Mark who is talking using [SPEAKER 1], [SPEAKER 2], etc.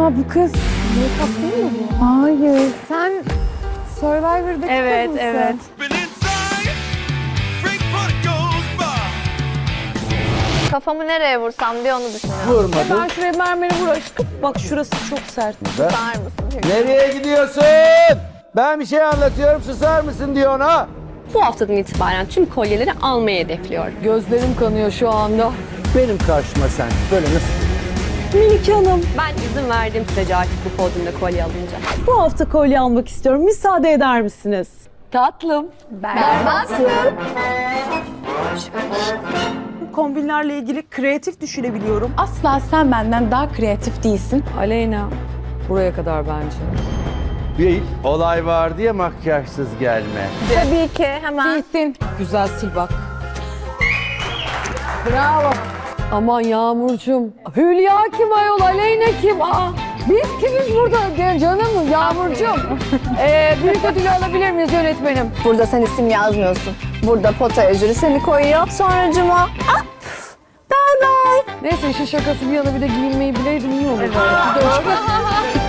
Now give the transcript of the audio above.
[SPEAKER 1] Aa bu kız make-up değil mi bu? Hayır. Sen Survivor'daki kız
[SPEAKER 2] Evet,
[SPEAKER 1] mısın?
[SPEAKER 2] evet. Kafamı nereye vursam diye onu düşünüyorum.
[SPEAKER 3] Vurmadın.
[SPEAKER 1] Ben şuraya mermeri vur aşkım. Bak şurası çok sert.
[SPEAKER 2] Tutar mısın?
[SPEAKER 3] Nereye gidiyorsun? Ben bir şey anlatıyorum, susar mısın diyor ona.
[SPEAKER 4] Bu haftadan itibaren tüm kolyeleri almayı hedefliyorum.
[SPEAKER 1] Gözlerim kanıyor şu anda.
[SPEAKER 3] Benim karşıma sen böyle nasıl?
[SPEAKER 1] Melike Hanım,
[SPEAKER 4] Ben izin verdiğim sürece artık bu podyumda kolye alınca.
[SPEAKER 1] bu hafta kolye almak istiyorum. Müsaade eder misiniz? Tatlım.
[SPEAKER 2] Berbatsın.
[SPEAKER 1] Kombinlerle ilgili kreatif düşünebiliyorum.
[SPEAKER 5] Asla sen benden daha kreatif değilsin.
[SPEAKER 1] Aleyna, buraya kadar bence.
[SPEAKER 3] Bir olay var diye makyajsız gelme.
[SPEAKER 2] Tabii ki hemen.
[SPEAKER 5] Değilsin.
[SPEAKER 1] Güzel sil bak. Bravo. Aman Yağmurcuğum. Hülya kim ayol, Aleyna kim? Aa, biz kimiz burada canım Yağmurcuğum? Büyük ödülü alabilir miyiz yönetmenim?
[SPEAKER 2] Burada sen isim yazmıyorsun. Burada potaya jüri seni koyuyor. Sonra cuma. Bye bye.
[SPEAKER 1] Neyse işin şakası bir yana bir de giyinmeyi bileydim iyi olur. Evet.